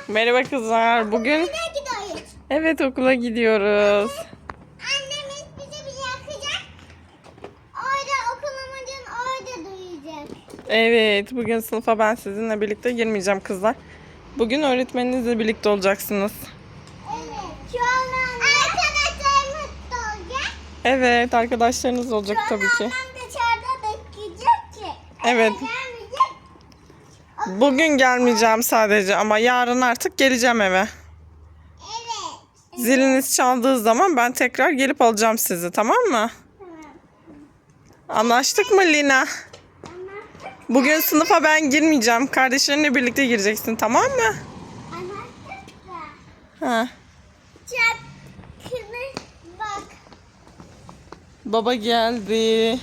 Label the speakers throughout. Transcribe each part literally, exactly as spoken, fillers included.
Speaker 1: Merhaba kızlar. Bugün
Speaker 2: Okula gidiyoruz.
Speaker 1: evet okula gidiyoruz.
Speaker 2: Annemiz bizi bir yakacak. Orada okul amacın orada duyacak.
Speaker 1: Evet, bugün sınıfa ben sizinle birlikte girmeyeceğim kızlar. Bugün öğretmeninizle birlikte olacaksınız.
Speaker 2: Evet. Şu an arkadaşlarımız da olacak.
Speaker 1: Evet, arkadaşlarınız olacak
Speaker 2: Şu an
Speaker 1: tabii ki.
Speaker 2: annem dışarıda bekleyecek ki.
Speaker 1: Evet.
Speaker 2: Eve gelmeyecek.
Speaker 1: Bugün gelmeyeceğim sadece ama yarın artık geleceğim eve.
Speaker 2: Evet.
Speaker 1: Ziliniz çaldığı zaman ben tekrar gelip alacağım sizi, tamam mı?
Speaker 2: Tamam.
Speaker 1: Anlaştık mı Lina?
Speaker 2: Anlattık.
Speaker 1: Bugün sınıfa ben girmeyeceğim. Kardeşlerinle birlikte gireceksin, tamam mı?
Speaker 2: Anlattık da.
Speaker 1: Ha.
Speaker 2: Çarkını bak.
Speaker 1: Baba geldi.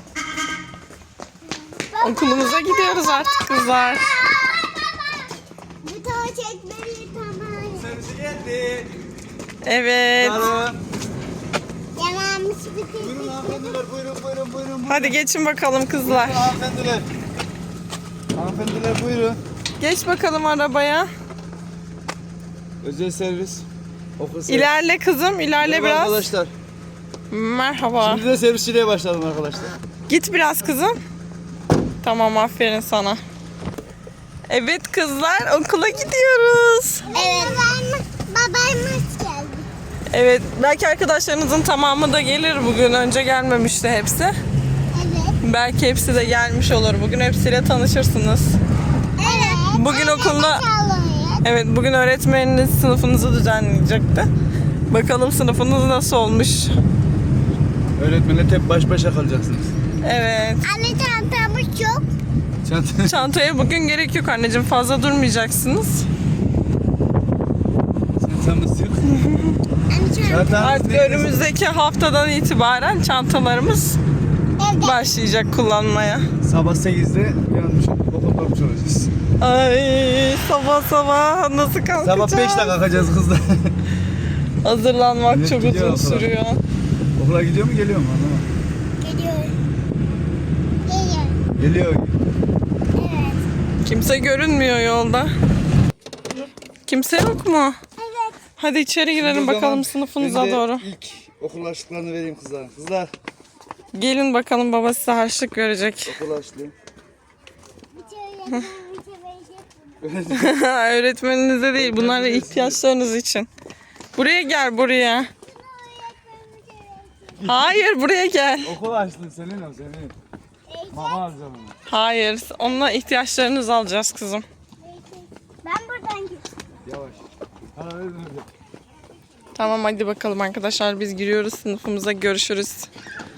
Speaker 1: Okulumuza gidiyoruz artık kızlar.
Speaker 2: Bu tava çekmeli tamam.
Speaker 3: Servisi geldi.
Speaker 1: Evet.
Speaker 3: Merhaba.
Speaker 2: Yalanmış
Speaker 3: Buyurun
Speaker 2: bitirdik.
Speaker 3: hanımefendiler, buyurun buyurun buyurun. buyurun.
Speaker 1: Hadi geçin bakalım kızlar.
Speaker 3: Buyurun hanımefendiler. Hanımefendiler buyurun.
Speaker 1: Geç bakalım arabaya.
Speaker 3: Özel servis. Okul servisi.
Speaker 1: İlerle kızım, ilerle
Speaker 3: Merhaba
Speaker 1: biraz.
Speaker 3: arkadaşlar.
Speaker 1: Merhaba.
Speaker 3: Şimdi de servisçiliğe başladım arkadaşlar.
Speaker 1: Git biraz kızım. Tamam, aferin sana. Evet kızlar, okula gidiyoruz.
Speaker 2: Evet. Babam, babamız geldi.
Speaker 1: Evet, belki arkadaşlarınızın tamamı da gelir bugün. Önce gelmemişti hepsi.
Speaker 2: Evet.
Speaker 1: Belki hepsi de gelmiş olur. Bugün hepsiyle tanışırsınız.
Speaker 2: Evet.
Speaker 1: Bugün
Speaker 2: Anne
Speaker 1: okulda-
Speaker 2: de çalıyor.
Speaker 1: Evet, bugün öğretmeniniz sınıfınızı düzenleyecekti. Bakalım sınıfınız nasıl olmuş.
Speaker 3: Öğretmenle tek baş başa kalacaksınız.
Speaker 1: Evet.
Speaker 2: Anne çantamız yok.
Speaker 3: Çanta.
Speaker 1: Çantaya bugün gerek yok anneciğim. Fazla durmayacaksınız.
Speaker 3: Çantamız yok.
Speaker 2: Anne çantamız
Speaker 3: Çantamız
Speaker 1: Artık
Speaker 3: değil.
Speaker 1: önümüzdeki haftadan itibaren çantalarımız
Speaker 2: evde.
Speaker 1: başlayacak kullanmaya.
Speaker 3: Sabah sekizde yanmış okulda olmuş olacağız.
Speaker 1: Ay sabah sabah nasıl kalkacağız?
Speaker 3: Sabah beşte kalkacağız kızlar.
Speaker 1: Hazırlanmak
Speaker 3: Evet,
Speaker 1: çok
Speaker 3: gidiyor
Speaker 1: uzun
Speaker 3: okula.
Speaker 1: sürüyor.
Speaker 3: Okula gidiyor mu geliyor mu anlamadım.
Speaker 2: Geliyor. Geliyor.
Speaker 3: Geliyor.
Speaker 2: Evet.
Speaker 1: Kimse görünmüyor yolda. Kimse yok mu?
Speaker 2: Evet.
Speaker 1: Hadi içeri girelim
Speaker 3: O zaman
Speaker 1: bakalım sınıfınıza
Speaker 3: ben de
Speaker 1: doğru.
Speaker 3: İlk okul harçlıklarını vereyim kızlar. Kızlar
Speaker 1: Gelin bakalım, baba size harçlık verecek.
Speaker 3: okul harçlığı.
Speaker 2: Bir şey yapalım, bir şey verecek.
Speaker 1: Öğretmeninize değil, bunlar ihtiyaçlarınız için. Buraya gel, buraya. Hayır, buraya gel.
Speaker 3: Okul harçlığı senin o senin. Mama alacağım onu.
Speaker 1: Hayır, onunla ihtiyaçlarınızı alacağız kızım.
Speaker 2: Ben buradan gideceğim.
Speaker 3: Yavaş. Para verin öyle.
Speaker 1: Tamam hadi bakalım arkadaşlar, biz giriyoruz sınıfımıza, görüşürüz.